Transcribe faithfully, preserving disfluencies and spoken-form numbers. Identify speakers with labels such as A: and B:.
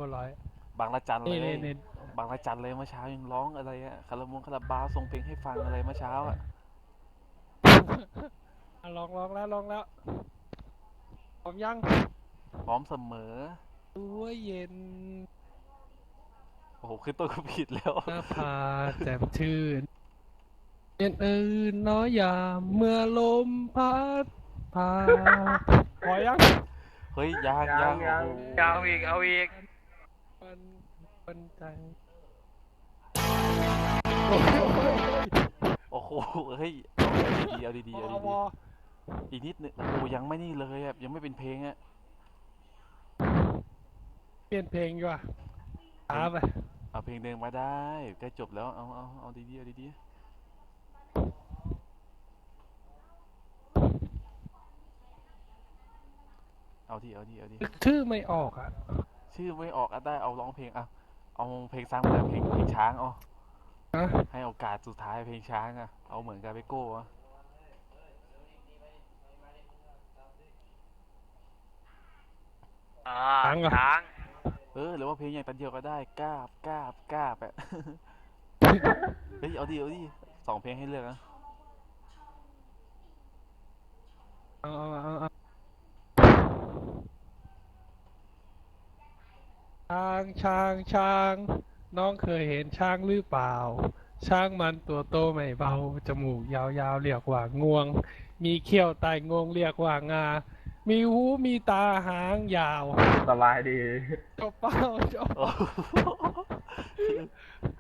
A: ร้อย
B: บางระจันเล
A: นี่นี่
B: ย
A: นี่
B: บางระจันเลยเมื่อเช้ายังร้องอะไรอะคาราบงคาราบาวส่งเพลงให้ฟังอะไรเมื่อเช้าอะ
A: อ่ะลองลองแล้วลองแล้วพร้อมยัง
B: พร้อมเสมอ
A: ตัวเย็น
B: โอ้โหขึ้นต้นก็ผิดแล้ว
A: หน้าผาแจ่มชื่นเย็นอื่นน้อยยามเมื่อลมพัดพาพอยัง
B: เฮ้ยยัง
C: ยัง
B: ยังโอ้โห
C: ยังเอาอีกเอาอีก
A: มันมันใจ
B: โอ้โหเฮ้ยเอาดีๆเอาดีๆเอาดี
A: พอพอ
B: ๆอีกนิดนึงโอ้โหยังไม่นี่เลยอะยังไม่เป็นเพลงอะ
A: เปลี่ยนเพลงดีกว่า
B: เพลง
A: ช้าไป
B: เอาเพลงเดิมมาได้ใกล้จบแล้วเอาเอาเอาดีๆเอาดีๆเอาดีเอาดีเอาดี
A: นึกชื่อไม่ออกอ่ะ
B: ชื่อไม่ออกอะได้เอาร้องเพลงอะเอาเพลงซ้ำเลยเพลงเพลงช้างเอา
A: นะ
B: ให้โอกาสสุดท้ายเพลงช้างอะเอาเหมือนกาเบโก้อะ
C: อ่า
A: ช้างอ่ะ
C: ช้าง
B: เออหรือว่าเพลงอย่างตันเดียวก็ได้กราบกราบกราบอะเฮ้ยเอาดีเอาดีสองเพลงให้เลือกนะ
A: เอาเอาเอาเอาช้างช้างช้างน้องเคยเห็นช้างหรือเปล่าช้างมันตัวโตไม่เบาจมูกยาวๆเรียกว่างวงมีเขี้ยวใต้งวงเรียกว่างามีหูมีตาหางยาว
C: สบายดี
A: จบเป้าจบ
B: โอ้โห